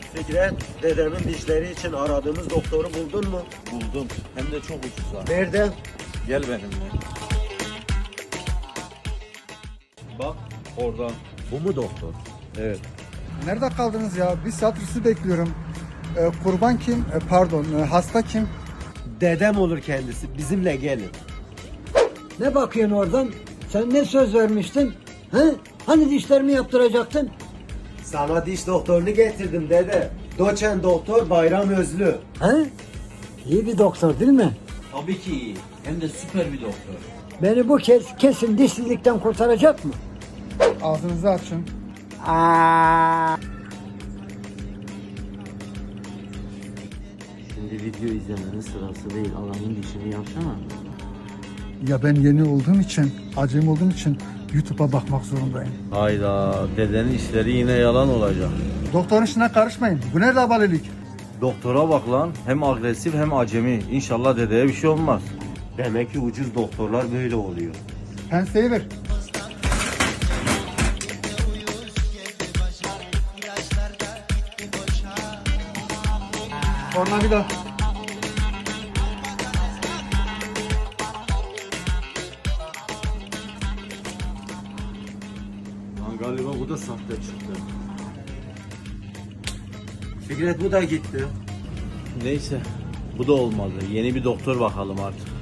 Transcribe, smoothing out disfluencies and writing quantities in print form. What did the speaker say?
Fikret, dedemin dişleri için aradığımız doktoru buldun mu? Buldum. Hem de çok ucuza. Nerede? Gel benimle. Bak oradan. Bu mu doktor? Evet. Nerede kaldınız ya? Bir saattir sizi bekliyorum. Kurban kim? Hasta kim? Dedem olur kendisi. Bizimle gelin. Ne bakıyorsun oradan? Sen ne söz vermiştin? He? Hani dişlerimi yaptıracaktın? Sana diş doktorunu getirdim dede. Doçent doktor Bayram Özlü. He? İyi bir doktor değil mi? Tabii ki iyi. Hem de süper bir doktor. Beni bu kez kesin dişsizlikten kurtaracak mı? Ağzınızı açın. Aa. Şimdi video izlemenin sırası değil. Adamın dişini yapsana. Ya ben yeni olduğum için, acemi olduğum için YouTube'a bakmak zorundayım. Hayda. Dedenin işleri yine yalan olacak. Doktorun işine karışmayın. Bu nerede abalelik? Doktora bak lan. Hem agresif hem acemi. İnşallah dedeye bir şey olmaz. Demek ki ucuz doktorlar böyle oluyor. Penseyi ver. Tornavida. Lan galiba bu da sahte çıktı. Fikret bu da gitti. Neyse. Bu da olmadı. Yeni bir doktor bakalım artık.